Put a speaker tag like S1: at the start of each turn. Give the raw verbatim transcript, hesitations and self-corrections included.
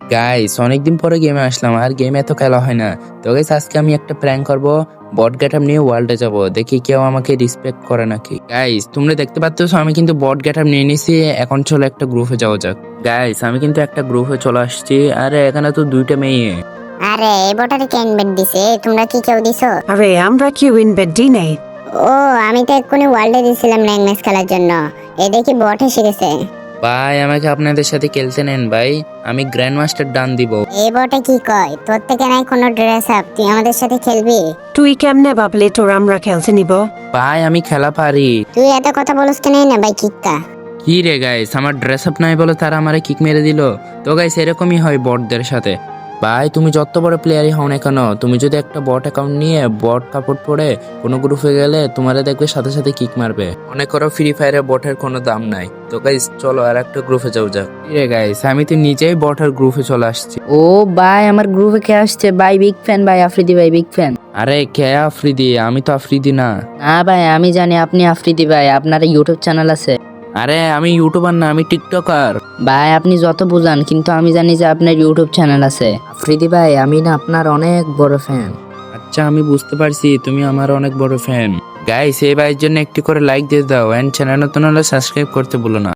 S1: Guys অনেকদিন পরে গেমে আসলাম, আর গেম এত খেলা হয় না। তো গাইস আজকে আমি একটা প্র্যাঙ্ক করব, বট গেটআপ নিয়ে ওয়ার্ল্ডে যাব, দেখি কেউ আমাকে রেসপেক্ট করে নাকি। গাইস তোমরা দেখতে পাচ্ছ আমি কিন্তু বট গেটআপ নিয়ে নিছি, এখন চলো একটা গ্রুপে যাওয়া যাক। গাইস আমি কিন্তু একটা গ্রুপে চলে আসছি, আরে এখানে তো দুইটা মেয়ে।
S2: আরে এই বটারে কে ইনভাইট দিছে? তোমরা কি কেউ দিছো?
S3: আরে আমরা কেউ ইনভাইট দিই নাই।
S2: ও আমি তো এক্ষুনি ওয়ার্ল্ডে দিছিলাম র্যাঙ্ক ম্যাচ খেলার জন্য। এই দেখি বট এসে গেছে।
S1: ভাই আমাকে আপনাদের সাথে খেলতে নেন ভাই, আমি গ্র্যান্ড মাস্টার ডান দিব।
S2: এই বটে কি কয়, তোর থেকে নাই কোনো ড্রেস আপ, তুই আমাদের সাথে খেলবি?
S3: তুই কেমনে ভাবলি তোর আমরা খেলতে নিব?
S1: ভাই আমি খেলা পারি।
S2: তুই এত কথা বলস কেন না ভাই কিক্কা?
S1: কি রে গাইস, আমার ড্রেস আপ নাই বলে তারা আমারে কিক মেরে দিল। তো গাইস এরকমই হয় বটদের সাথে। ভাই তুমি যত বড় প্লেয়ারই হও না কেন, তুমি যদি একটা বট অ্যাকাউন্ট নিয়ে বট কাপড় পরে কোনো গ্রুপে গেলে তোমারে দেখবে সাথে সাথে কিক মারবে। মনে করো ফ্রি ফায়ারে বটের কোনো দাম নাই। তো গাইস চলো আর একটা গ্রুপে যাও যাক। কি রে গাইস, আমি তো নিজেই বটের গ্রুপে চলে আসছি।
S4: ও ভাই আমার গ্রুপে কে আসছে ভাই? বিগ ফ্যান ভাই, আফ্রিদি ভাই বিগ ফ্যান।
S1: আরে কে আফ্রিদি? আমি তো আফ্রিদি না।
S4: না ভাই আমি জানি আপনি আফ্রিদি ভাই, আপনার ইউটিউব চ্যানেল আছে।
S1: আরে আমি ইউটিউবার না, আমি টিকটকার।
S4: ভাই আপনি যত বুঝান, কিন্তু আমি জানি যে আপনার ইউটিউব চ্যানেল আছে। আফ্রিদি ভাই আমি না আপনার অনেক বড় ফ্যান।
S1: আচ্ছা আমি বুঝতে পারছি তুমি আমার অনেক বড় ফ্যান। গাইস এই ভাইয়ের জন্য একটি করে লাইক দিয়ে দাও, এন্ড চ্যানেল নতুন হলে সাবস্ক্রাইব করতে ভুলো না।